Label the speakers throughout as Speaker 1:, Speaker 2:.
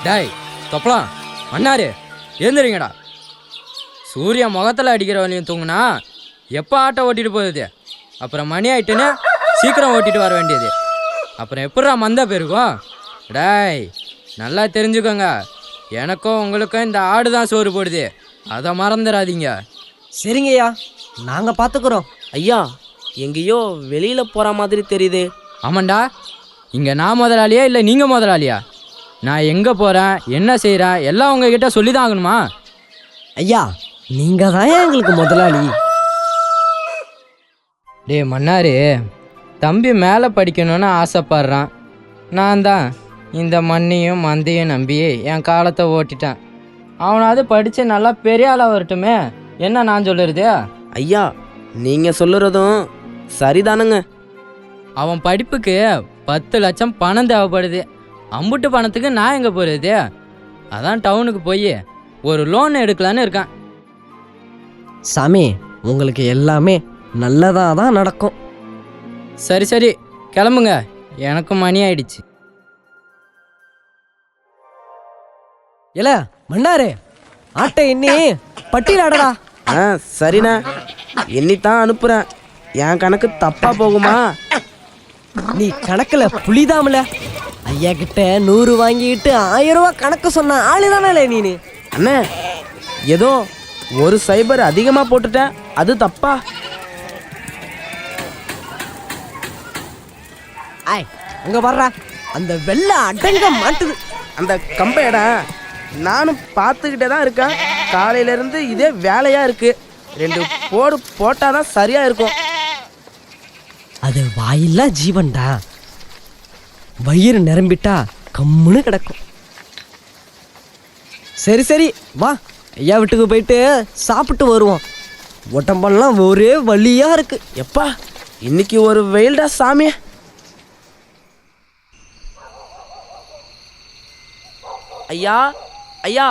Speaker 1: டாய் தொப்பலாம் மன்னாரு எழுந்துறீங்கடா. சூரிய முகத்தில் அடிக்கிற வழியும் தூங்குனா எப்போ ஆட்டோ ஓட்டிட்டு போகுது? அப்புறம் மணி ஆயிட்டுன்னு சீக்கிரம் ஓட்டிட்டு வர வேண்டியது. அப்புறம் எப்படா மந்த போயிருக்கும்? டாய் நல்லா தெரிஞ்சுக்கோங்க, எனக்கும் உங்களுக்கும் இந்த ஆடு தான் சோறு போடுது, அதை மறந்துடாதீங்க.
Speaker 2: சரிங்கய்யா, நாங்கள் பார்த்துக்குறோம்.
Speaker 3: ஐயா, எங்கேயோ வெளியில் போகிற மாதிரி தெரியுது.
Speaker 1: ஆமாண்டா, இங்கே நான் முதலாளியா இல்லை நீங்கள் முதலாளியா? நான் எங்கே போகிறேன் என்ன செய்கிறேன் எல்லாம் உங்ககிட்ட சொல்லி தான் ஆகணுமா?
Speaker 2: ஐயா, நீங்கள் தான் எங்களுக்கு முதலாளி.
Speaker 1: டே மன்னாரு, தம்பி மேலே படிக்கணும்னு ஆசைப்படுறான். நான் தான் இந்த மண்ணையும் மந்தையும் நம்பி என் காலத்தை ஓட்டிட்டேன். அவனாவது படித்து நல்லா பெரிய ஆளாக வரட்டுமே, என்ன நான் சொல்லுறது?
Speaker 3: ஐயா, நீங்கள் சொல்லுறதும் சரிதானுங்க.
Speaker 1: அவன் படிப்புக்கு 10 லட்சம் பணம் தேவைப்படுது. அம்புட்டு பணத்துக்கு நான் எங்கே போகிறது? அதான் டவுனுக்கு போய் ஒரு லோன் எடுக்கலான்னு இருக்கேன்.
Speaker 2: சாமி, உங்களுக்கு எல்லாமே நல்லதாக தான் நடக்கும்.
Speaker 1: சரி சரி கிளம்புங்க, எனக்கும் மணி ஆயிடுச்சு.
Speaker 2: இல்ல மன்னாரு, ஆட்டை எண்ணி பட்டியல் ஆடடா.
Speaker 3: சரிண்ணா, எண்ணித்தான் அனுப்புகிறேன். என் கணக்கு தப்பாக போகுமா?
Speaker 2: நீ கணக்கில் புளிதாமல. ஐயா கிட்ட 100 வாங்கிட்டு 1000 ரூபா கணக்கு சொன்ன ஆளுதானே நீனு.
Speaker 3: அண்ணே, ஏதோ ஒரு சைபர் அதிகமாக போட்டுட்டேன், அது தப்பா?
Speaker 2: ஆய், அங்க வர்றா, அந்த வெள்ளை அடங்க மாட்டுது.
Speaker 3: அந்த கம்பையடா நானும் பார்த்துக்கிட்டே தான் இருக்கேன். காலையிலேருந்து இதே வேலையாக இருக்குது. 2 போடு போட்டால் தான் சரியாக இருக்கும்.
Speaker 2: அது வாயில்லா ஜீவன்டா, வயிறு நிரம்பிட்டா கம்முன்னு கிடக்கும். சரி சரி வா, ஐயா வீட்டுக்கு போயிட்டு சாப்பிட்டு வருவோம். உடம்பெல்லாம் ஒரே வலியா இருக்கு.
Speaker 3: எப்பா, இன்னைக்கு ஒரு வெயில்டா சாமி. ஐயா ஐயா,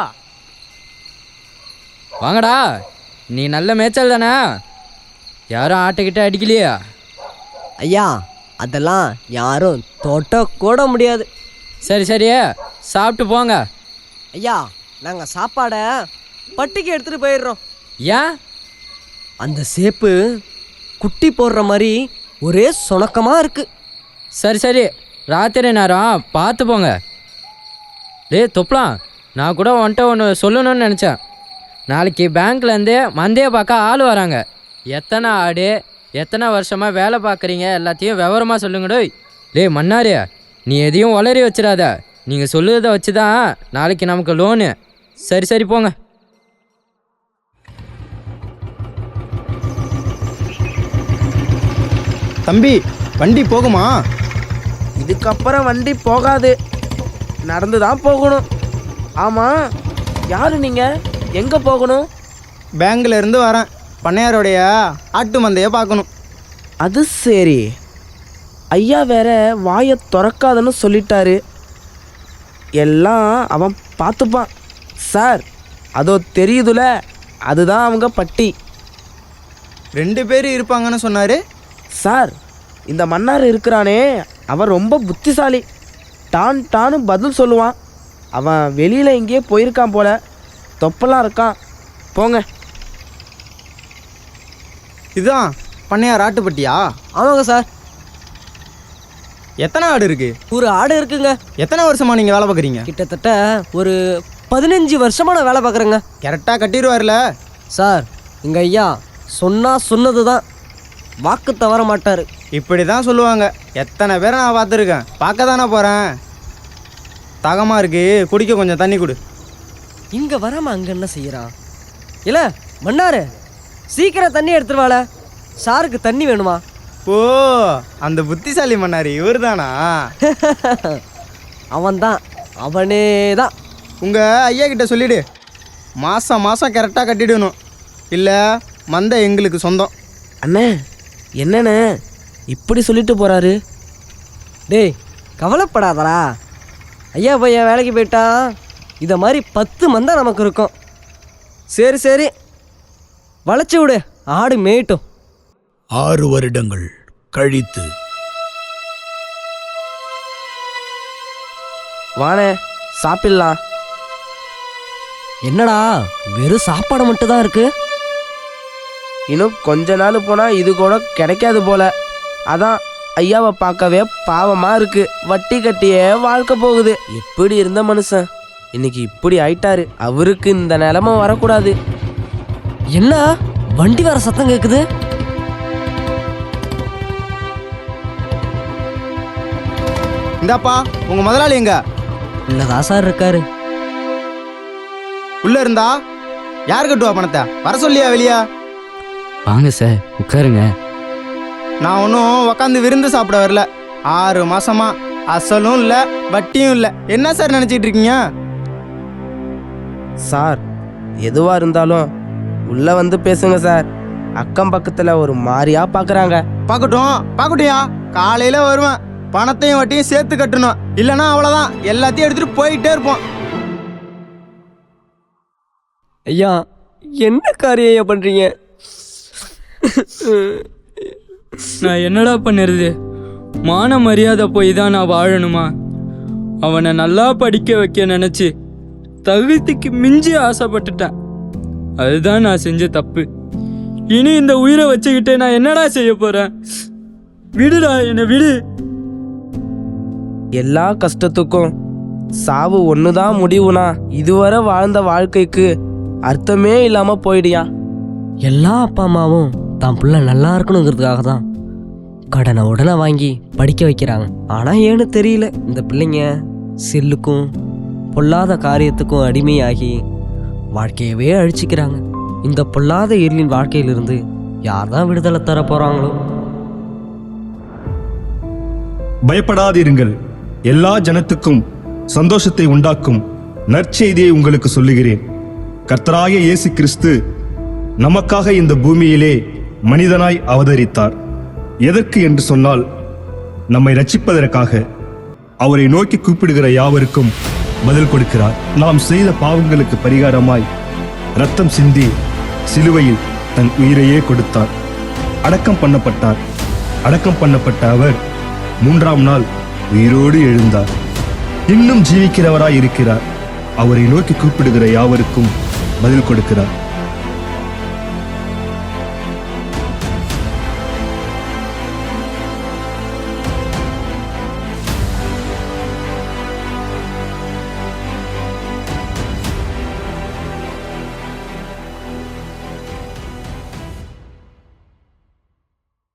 Speaker 1: வாங்கடா, நீ நல்ல மேய்ச்சல் தானே? யாரும் ஆட்டுக்கிட்ட அடிக்கலையா?
Speaker 2: ஐயா, அதெல்லாம் யாரும் தொட்ட கூட முடியாது.
Speaker 1: சரி சரி சாப்பிட்டு போங்க.
Speaker 2: ஐயா, நாங்கள் சாப்பாடை பட்டிக்கு எடுத்துகிட்டு போயிடுறோம்.
Speaker 1: ஏன்?
Speaker 2: அந்த சேப்பு குட்டி போடுற மாதிரி ஒரே சுணக்கமாக இருக்குது.
Speaker 1: சரி சரி ராத்திரி நேரம் பார்த்து போங்க. தொப்பலாம், நான் கூட வந்துட்டு ஒன்று சொல்லணும்னு நினச்சேன். நாளைக்கு பேங்க்லேருந்து மந்தையை பார்க்க ஆள் வராங்க. எத்தனை ஆடு, எத்தனை வருஷமாக வேலை பார்க்குறீங்க எல்லாத்தையும் விவரமாக சொல்லுங்கடோ. மன்னாரு, நீ எதையும் உளறி வச்சிடாத. நீங்கள் சொல்லுறதை வச்சு தான் நாளைக்கு நமக்கு லோனு. சரி சரி போங்க.
Speaker 4: தம்பி, வண்டி போகுமா?
Speaker 3: இதுக்கப்புறம் வண்டி போகாது, நடந்து தான் போகணும். ஆமாம், யார் நீங்கள்? எங்கே போகணும்?
Speaker 4: பேங்க்ல இருந்து வரேன். பண்ணையாரோடைய ஆட்டு மந்தையை பார்க்கணும்.
Speaker 3: அது சரி. ஐயா வேற வாயை திறக்காதன்னு சொல்லிட்டாரு. எல்லாம் அவன் பார்த்துப்பான். சார், அதோ தெரியுதுல, அதுதான் அவங்க பட்டி.
Speaker 4: 2 பேர் இருப்பாங்கன்னு சொன்னார்.
Speaker 3: சார், இந்த மன்னார் இருக்கிறானே, அவன் ரொம்ப புத்திசாலி. டான்னு பதில் சொல்லுவான். அவன் வெளியில் எங்கேயே போயிருக்கான் போல. தொப்பெல்லாம் இருக்கான். போங்க.
Speaker 4: இதுதான் பண்ணையார் ஆட்டுப்பட்டியா?
Speaker 2: ஆமாங்க சார்.
Speaker 4: எத்தனை ஆடு இருக்கு?
Speaker 2: ஒரு ஆடு இருக்குங்க.
Speaker 4: எத்தனை வருஷமா நீங்கள் வேலை பார்க்குறீங்க?
Speaker 2: கிட்டத்தட்ட ஒரு 15 வருஷமாக நான் வேலை பார்க்குறேங்க.
Speaker 4: கரெக்டாக கட்டிடுவார்ல
Speaker 2: சார், எங்கள் ஐயா சொன்னது தான், வாக்கு தவற மாட்டார்.
Speaker 4: இப்படி தான் சொல்லுவாங்க. எத்தனை பேரை நான் பார்த்துருக்கேன். பார்க்க தானே போகிறேன். தாகமாக இருக்கு, குடிக்க கொஞ்சம் தண்ணி கொடு.
Speaker 2: இங்கே வராமல் அங்கே என்ன செய்கிறான்? இல்லை மன்னாரு, சீக்கிரம் தண்ணி எடுத்துருவாள. சாருக்கு தண்ணி வேணுமா?
Speaker 4: ஓ, அந்த புத்திசாலி மன்னார் இவர் தானா?
Speaker 2: அவன்தான், அவனே தான்.
Speaker 4: உங்கள் ஐயா கிட்ட சொல்லிவிடு, மாதம் கரெக்டாக கட்டிடணும், இல்லை மந்தை எங்களுக்கு சொந்தம்.
Speaker 3: அண்ணே, என்னண்ணே இப்படி சொல்லிட்டு போகிறாரு?
Speaker 2: டேய், கவலைப்படாதடா. ஐயா பையன் வேலைக்கு போயிட்டா இதை மாதிரி 10 மந்தை நமக்கு இருக்கும். சரி சரி, வளைச்சி விடு, ஆடு மேயட்டும்.
Speaker 5: 6 வருடங்கள் கழித்து.
Speaker 3: வாணே, சாப்பிடலாம்.
Speaker 2: என்னடா வெறும் சாப்பாடு மட்டும் தான் இருக்கு?
Speaker 3: இன்னும் கொஞ்ச நாள் போனால் இது கூட கிடைக்காது போல. அதான் ஐயாவை பார்க்கவே பாவமாக இருக்கு. வட்டி கட்டியே வாழ்க்கை போகுது. எப்படி இருந்த மனுஷன் இன்னைக்கு இப்படி ஆயிட்டாரு. அவருக்கு இந்த நிலைமை வரக்கூடாது.
Speaker 2: என்ன வண்டி வர சத்தம் கேக்குது?
Speaker 4: இந்தாப்பா உங்க முதலாளி எங்க?
Speaker 2: இல்லதான் சார் இருக்காரு.
Speaker 4: உள்ள இருந்தா யார் கட்டுவா பணத்தை? வர சொல்லியா வெளியா?
Speaker 1: வாங்க சார் உட்காருங்க.
Speaker 4: நான் ஒன்றும் உக்காந்து விருந்து சாப்பிட வரல. 6 மாசமா அசலும் இல்லை வட்டியும் இல்லை. என்ன சார் நினச்சிட்டு இருக்கீங்க?
Speaker 3: சார் எதுவாக இருந்தாலும் உள்ளே வந்து பேசுங்க சார். அக்கம் பக்கத்தில் ஒரு மாதிரியா பார்க்குறாங்க.
Speaker 4: பார்க்கட்டும்யா. காலையில் வருவேன். பணத்தையும் வட்டியும் சேர்த்து கட்டணும். இல்லைன்னா அவ்வளோதான், எல்லாத்தையும் எடுத்துகிட்டு போயிட்டே இருப்போம்.
Speaker 2: ஐயா என்ன காரியம் ஐயா பண்றீங்க?
Speaker 1: நான் என்னடா பண்ணுறது? மான மரியாதை போய் தான் நான் வாழணுமா? அவனை நல்லா படிக்க வைக்க நினச்சி தகுதிக்கு மிஞ்சி ஆசைப்பட்டுட்டேன். அதுதான் நான் செஞ்ச தப்பு. இனி இந்த உயிரை வச்சுக்கிட்டு நான் என்னடா செய்ய போகிறேன்? விடுடா, என்னை விடு.
Speaker 3: எல்லா கஷ்டத்துக்கும் சாவு ஒன்று தான் முடிவுனா இதுவரை வாழ்ந்த வாழ்க்கைக்கு அர்த்தமே இல்லாமல் போயிடியா.
Speaker 2: எல்லா அப்பா அம்மாவும் தான் பிள்ளை நல்லா இருக்கணுங்கிறதுக்காக தான் கடனை உடனே வாங்கி படிக்க வைக்கிறாங்க. ஆனால் ஏன்னு தெரியல, இந்த பிள்ளைங்க செல்லுக்கும் பொல்லாத காரியத்துக்கும் அடிமையாகி வாழ்க்கையவே அழிச்சிக்கிறாங்க. இந்த பொல்லாத இருளின் வாழ்க்கையிலிருந்து யார் தான் விடுதலை தர போகிறாங்களோ?
Speaker 6: பயப்படாதிருங்கள். எல்லா ஜனத்துக்கும் சந்தோஷத்தை உண்டாக்கும் நற்செய்தியை உங்களுக்கு சொல்லுகிறேன். கர்த்தராகிய இயேசு கிறிஸ்து நமக்காக இந்த பூமியிலே மனிதனாய் அவதரித்தார். எதற்கு என்று சொன்னால், நம்மை ரட்சிப்பதற்காக. அவரை நோக்கி கூப்பிடுகிற யாவருக்கும் பதில் கொடுக்கிறார். நாம் செய்த பாவங்களுக்கு பரிகாரமாய் இரத்தம் சிந்தி சிலுவையில் தன் உயிரையே கொடுத்தார். அடக்கம் பண்ணப்பட்டார். அடக்கம் பண்ணப்பட்ட அவர் 3ஆம் நாள் உயிரோடு எழுந்தார். இன்னும் ஜீவிக்கிறவராய் இருக்கிறார். அவரை நோக்கி கூப்பிடுகிற யாவருக்கும் பதில் கொடுக்கிறார்.